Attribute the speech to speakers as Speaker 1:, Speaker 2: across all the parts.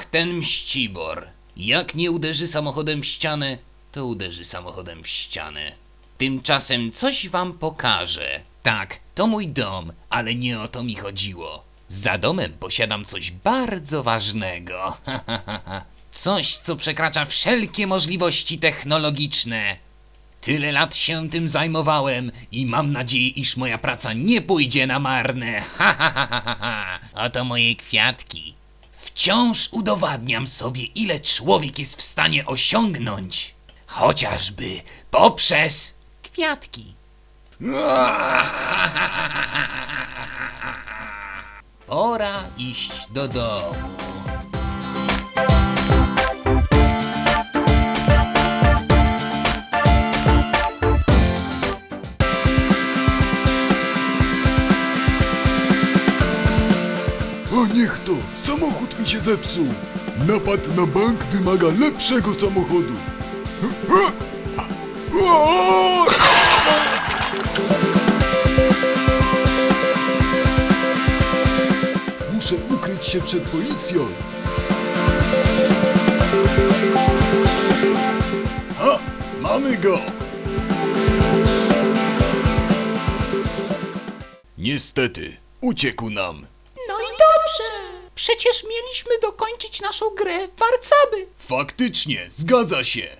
Speaker 1: ten mścibor. Jak nie uderzy samochodem w ścianę, to uderzy samochodem w ścianę. Tymczasem coś wam pokażę. Tak, to mój dom, ale nie o to mi chodziło. Za domem posiadam coś bardzo ważnego. Coś, co przekracza wszelkie możliwości technologiczne. Tyle lat się tym zajmowałem i mam nadzieję, iż moja praca nie pójdzie na marne. Oto moje kwiatki. Wciąż udowadniam sobie, ile człowiek jest w stanie osiągnąć. Chociażby poprzez kwiatki. Pora iść do domu.
Speaker 2: A niech to! Samochód mi się zepsuł! Napad na bank wymaga lepszego samochodu! Muszę ukryć się przed policją! Ha! Mamy go! Niestety, uciekł nam.
Speaker 1: No i dobrze. Przecież mieliśmy dokończyć naszą grę w warcaby.
Speaker 2: Faktycznie, zgadza się!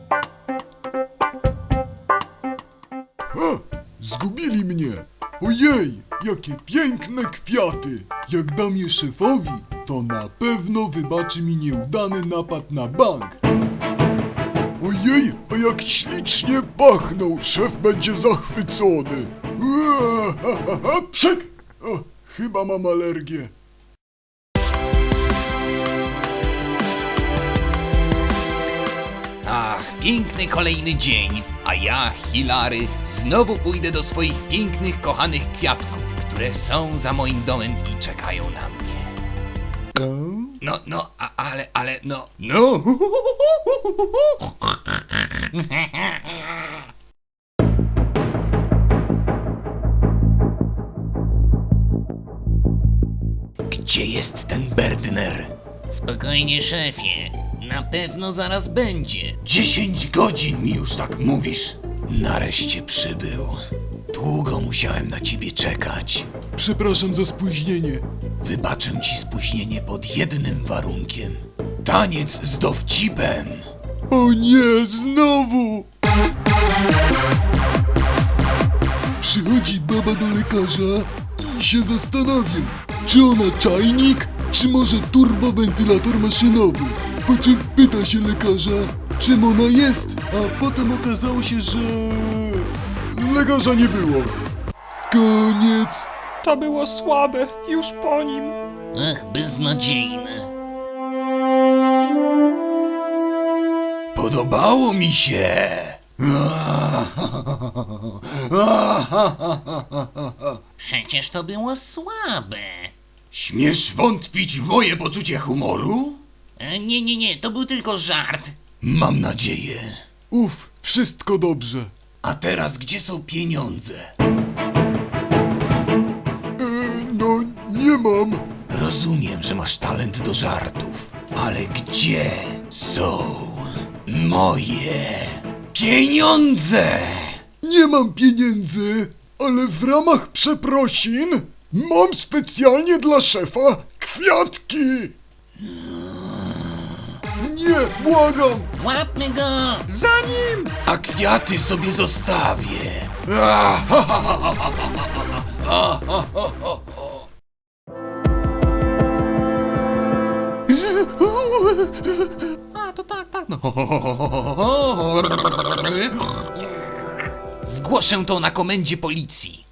Speaker 2: Ha! Zgubili mnie! Ojej, jakie piękne kwiaty! Jak dam je szefowi, to na pewno wybaczy mi nieudany napad na bank. Ojej, a jak ślicznie pachną! Szef będzie zachwycony! Przek! O, chyba mam alergię.
Speaker 1: Ach, piękny kolejny dzień, a ja, Hilary, znowu pójdę do swoich pięknych, kochanych kwiatków, które są za moim domem i czekają na mnie. No. Gdzie jest ten Berdner? Spokojnie, szefie. Na pewno zaraz będzie. 10 godzin mi już tak mówisz. Nareszcie przybył. Długo musiałem na ciebie czekać.
Speaker 2: Przepraszam za spóźnienie.
Speaker 1: Wybaczę ci spóźnienie pod jednym warunkiem. Taniec z dowcipem.
Speaker 2: O nie, znowu! Przychodzi baba do lekarza i się zastanawia, czy ona czajnik, czy może turbowentylator maszynowy. Po czym pyta się lekarza, czym ona jest, a potem okazało się, że... lekarza nie było. Koniec.
Speaker 3: To było słabe, już po nim.
Speaker 1: Ach, beznadziejne. Podobało mi się. Przecież to było słabe. Śmiesz wątpić w moje poczucie humoru? Nie, to był tylko żart. Mam nadzieję.
Speaker 2: Wszystko dobrze.
Speaker 1: A teraz gdzie są pieniądze?
Speaker 2: No, nie mam.
Speaker 1: Rozumiem, że masz talent do żartów, ale gdzie są moje pieniądze?
Speaker 2: Nie mam pieniędzy, ale w ramach przeprosin mam specjalnie dla szefa kwiatki. Nie, błagam.
Speaker 1: Łapmy go!
Speaker 3: Za nim!
Speaker 1: A kwiaty sobie zostawię. A, to tak, no. Zgłoszę to na komendzie policji.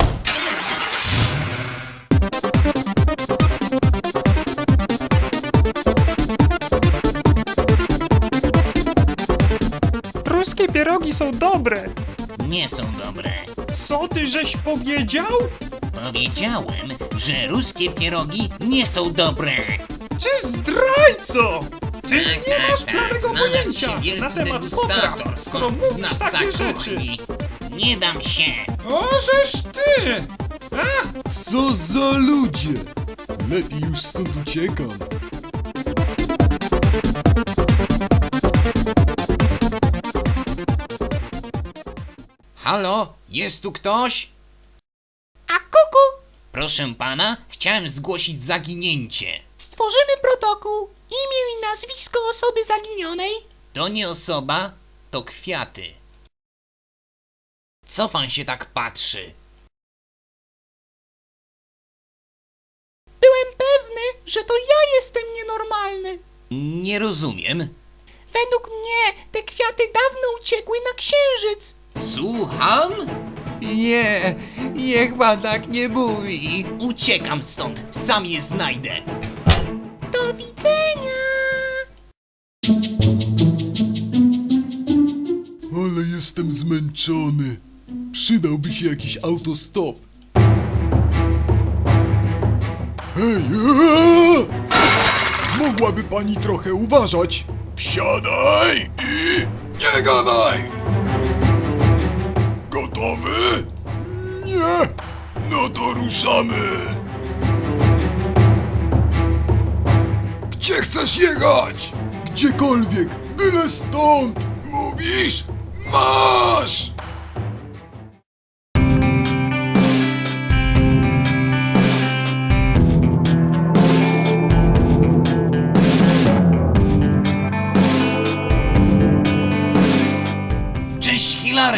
Speaker 3: Ruskie pierogi są dobre.
Speaker 1: Nie są dobre.
Speaker 3: Co ty żeś powiedział?
Speaker 1: Powiedziałem, że ruskie pierogi nie są dobre.
Speaker 3: Ty zdrajco! Ty
Speaker 1: Tak,
Speaker 3: nie masz
Speaker 1: tak,
Speaker 3: prawego
Speaker 1: znalazł
Speaker 3: pojęcia
Speaker 1: się wielki
Speaker 3: na temat
Speaker 1: degustator,
Speaker 3: potraw, skoro mówisz
Speaker 1: znawca
Speaker 3: takie rzeczy.
Speaker 1: kuchni. Nie dam się.
Speaker 3: O, żeż ty! A,
Speaker 2: Co za ludzie! Lepiej już stąd uciekam.
Speaker 1: Halo, jest tu ktoś? A kuku! Proszę pana, chciałem zgłosić zaginięcie. Stworzymy protokół. Imię i nazwisko osoby zaginionej. To nie osoba, to kwiaty. Co pan się tak patrzy? Byłem pewny, że to ja jestem nienormalny. Nie rozumiem. Według mnie te kwiaty dawno uciekły na księżyc. Słucham? Nie, niech pan tak nie mówi. Uciekam stąd, sam je znajdę. Do widzenia.
Speaker 2: Ale jestem zmęczony. Przydałby się jakiś autostop. Hej! Mogłaby pani trochę uważać? Wsiadaj i nie gadaj! Gotowy? Nie! No to ruszamy! Gdzie chcesz jechać? Gdziekolwiek, byle stąd! Mówisz? Masz!
Speaker 1: Cześć, Hilary!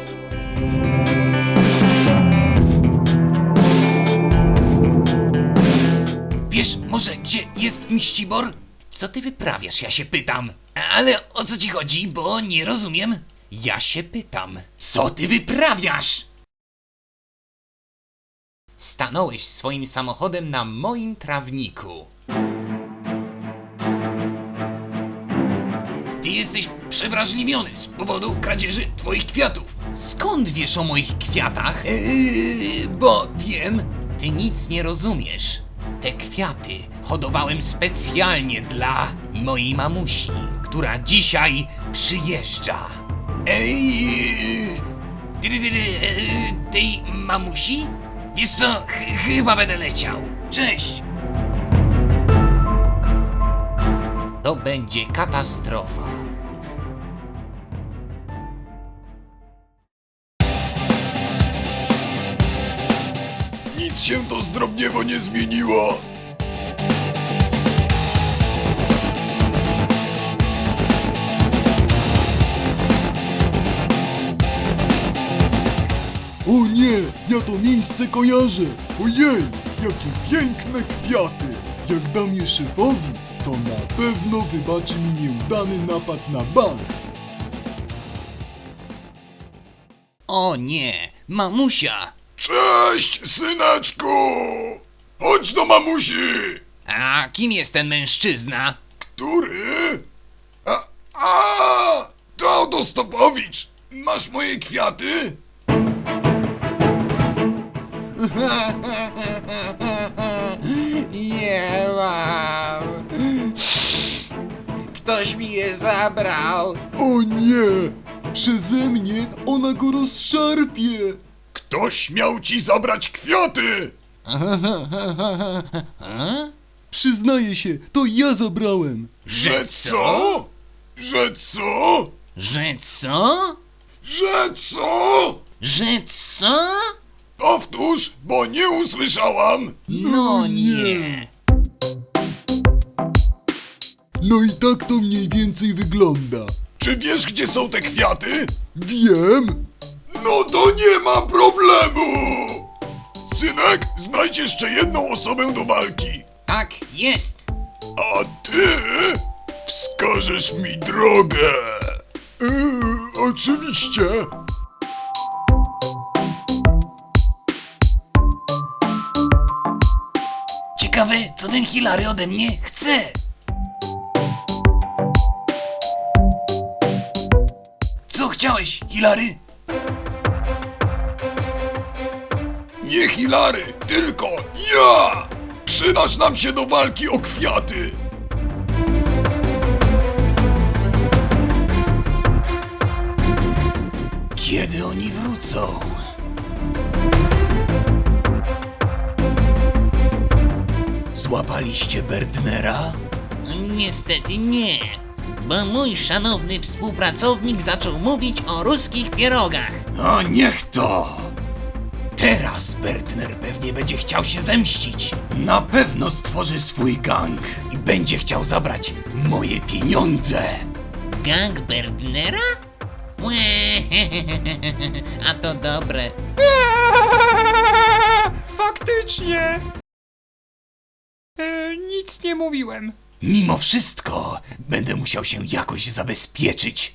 Speaker 1: Wiesz może, gdzie jest Mścibor? Co ty wyprawiasz, ja się pytam. Ale o co ci chodzi, bo nie rozumiem. Ja się pytam, co ty wyprawiasz? Stanąłeś swoim samochodem na moim trawniku. Ty jesteś przewrażliwiony z powodu kradzieży twoich kwiatów. Skąd wiesz o moich kwiatach? Bo wiem. Ty nic nie rozumiesz. Te kwiaty hodowałem specjalnie dla mojej mamusi, która dzisiaj przyjeżdża. Tej mamusi? Wiesz co, chyba będę leciał. Cześć! To będzie katastrofa.
Speaker 2: Nic się to zdrobniewo nie zmieniło. O nie, ja to miejsce kojarzę. Ojej, jakie piękne kwiaty. Jak dam je szefowi, to na pewno wybaczy mi nieudany napad na bank.
Speaker 1: O nie, mamusia!
Speaker 2: Cześć, syneczku! Chodź do mamusi!
Speaker 1: A kim jest ten mężczyzna?
Speaker 2: Który? To autostopowicz! Masz moje kwiaty?
Speaker 1: Nie mam. Ktoś mi je zabrał.
Speaker 2: O nie! Przeze mnie ona go rozszarpie! Ktoś miał ci zabrać kwiaty! Przyznaję się, to ja zabrałem!
Speaker 1: Że co?
Speaker 2: Że co?
Speaker 1: Że co?
Speaker 2: Że co?
Speaker 1: Że co?
Speaker 2: Powtórz, bo nie usłyszałam!
Speaker 1: No nie.
Speaker 2: No i tak to mniej więcej wygląda. Czy wiesz, gdzie są te kwiaty? Wiem. No to nie ma problemu! Synek, znajdź jeszcze jedną osobę do walki.
Speaker 1: Tak jest.
Speaker 2: A ty wskażesz mi drogę. Oczywiście.
Speaker 1: Ciekawe, co ten Hilary ode mnie chce. Co chciałeś, Hilary?
Speaker 2: Nie Hilary, tylko ja! Przydasz nam się do walki o kwiaty!
Speaker 1: Kiedy oni wrócą? Złapaliście Berdnera? Niestety nie, bo mój szanowny współpracownik zaczął mówić o ruskich pierogach. No niech to! Teraz Bertner pewnie będzie chciał się zemścić. Na pewno stworzy swój gang i będzie chciał zabrać moje pieniądze.
Speaker 4: Gang Bertnera? Łe, a to dobre.
Speaker 3: Faktycznie! Nic nie mówiłem.
Speaker 1: Mimo wszystko będę musiał się jakoś zabezpieczyć.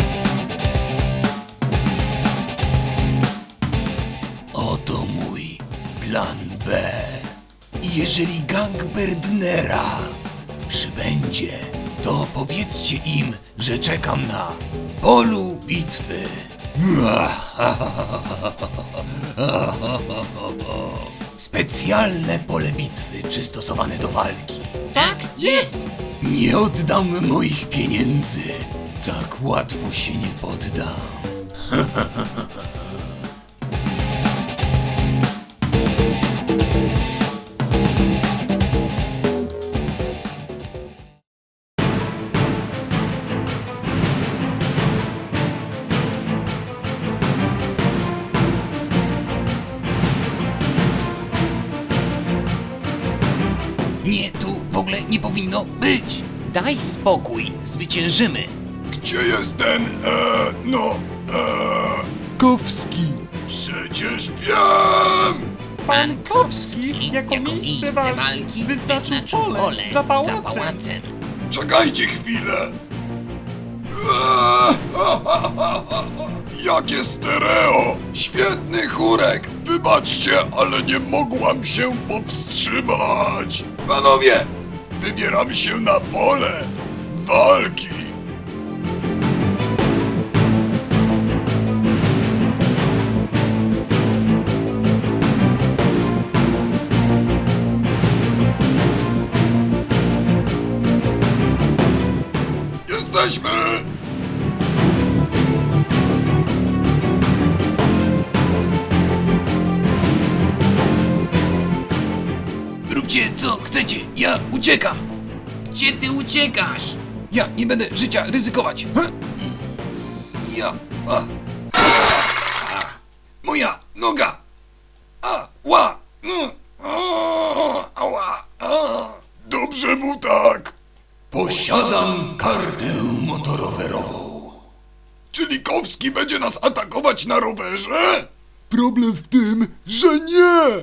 Speaker 1: Oto mój plan B. Jeżeli gang Bertnera przybędzie, to powiedzcie im, że czekam na polu bitwy. Specjalne pole bitwy przystosowane do walki.
Speaker 4: Tak, jest!
Speaker 1: Nie oddam moich pieniędzy. Tak łatwo się nie poddam. Nie, tu w ogóle nie powinno być. Daj spokój, zwyciężymy.
Speaker 2: Gdzie jest ten, Kowski? Przecież wiem!
Speaker 3: Pankowski jako miejsce walki wyznaczył pole za pałacem.
Speaker 2: Czekajcie chwilę! Jakie stereo! Świetny chórek! Wybaczcie, ale nie mogłam się powstrzymać! Panowie! Wybieramy się na pole walki! Jesteśmy!
Speaker 1: Róbcie co chcecie, ja uciekam.
Speaker 4: Gdzie ty uciekasz?
Speaker 1: Ja nie będę życia ryzykować. Ja. Moja noga. Ła.
Speaker 2: Ała! Dobrze mu tak!
Speaker 1: Posiadam kartę motorowerową.
Speaker 2: Czyli Kowski będzie nas atakować na rowerze? Problem w tym, że nie!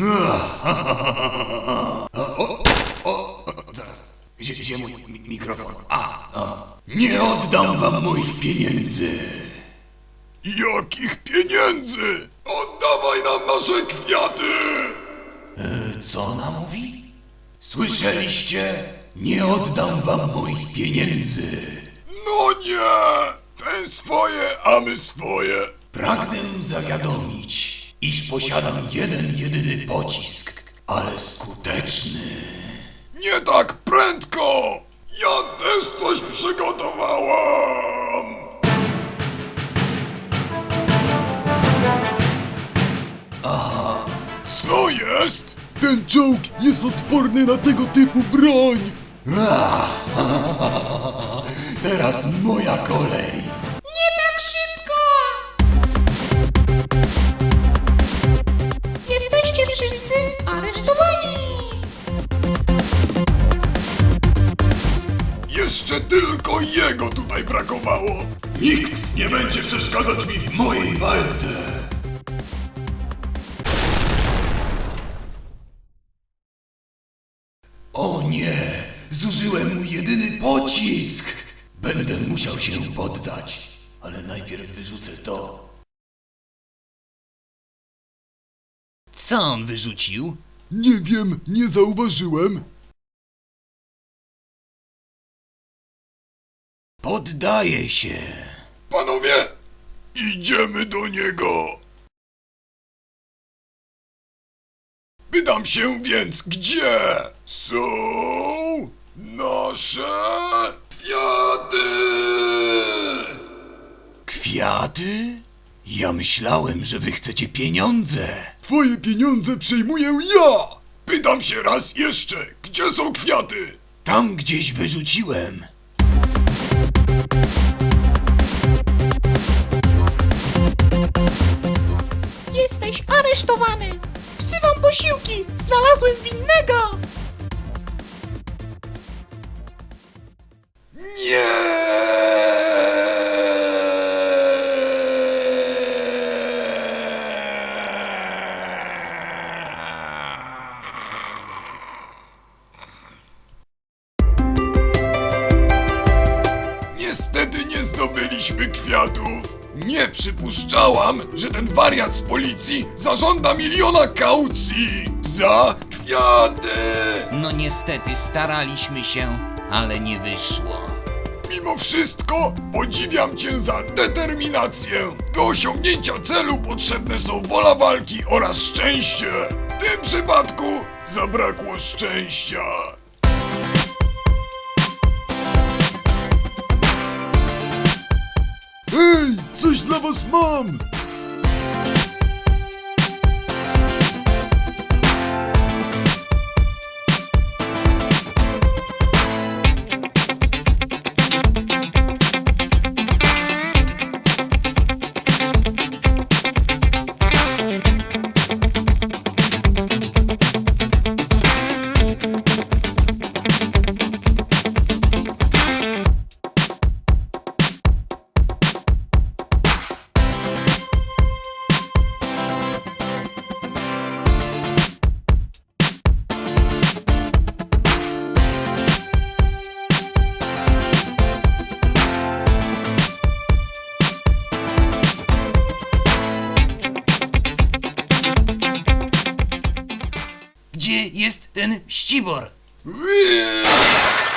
Speaker 1: Gdzie mój mikrofon? Nie oddam wam moich pieniędzy.
Speaker 2: Jakich pieniędzy? Oddawaj nam nasze kwiaty!
Speaker 1: Co ona mówi? Słyszeliście? Nie oddam wam moich pieniędzy.
Speaker 2: No nie! Ten swoje, a my swoje.
Speaker 1: Pragnę zawiadomić, iż posiadam jeden jedyny pocisk, ale skuteczny.
Speaker 2: Nie tak prędko! Ja też coś przygotowałam! Co jest? Ten czołg jest odporny na tego typu broń!
Speaker 1: Teraz moja kolej.
Speaker 5: Jesteście wszyscy aresztowani!
Speaker 2: Jeszcze tylko jego tutaj brakowało! Nikt nie będzie przeszkadzać mi w mojej walce!
Speaker 1: O nie! Zużyłem mój jedyny pocisk! Będę musiał się poddać, ale najpierw wyrzucę to. Co on wyrzucił?
Speaker 2: Nie wiem, nie zauważyłem.
Speaker 1: Poddaję się.
Speaker 2: Panowie, idziemy do niego. Pytam się więc, gdzie są nasze kwiaty?
Speaker 1: Kwiaty? Ja myślałem, że wy chcecie pieniądze.
Speaker 2: Twoje pieniądze przejmuję ja! Pytam się raz jeszcze, gdzie są kwiaty?
Speaker 1: Tam gdzieś wyrzuciłem.
Speaker 5: Jesteś aresztowany. Wzywam posiłki. Znalazłem winnego.
Speaker 2: Niestety nie zdobyliśmy kwiatów. Nie przypuszczałam, że ten wariat z policji zażąda 1 000 000 kaucji za kwiaty.
Speaker 1: No niestety staraliśmy się, ale nie wyszło.
Speaker 2: Mimo wszystko podziwiam cię za determinację. Do osiągnięcia celu potrzebne są wola walki oraz szczęście. W tym przypadku zabrakło szczęścia. Hej, coś dla was mam!
Speaker 1: Gdzie jest ten ścibor?
Speaker 2: Ui!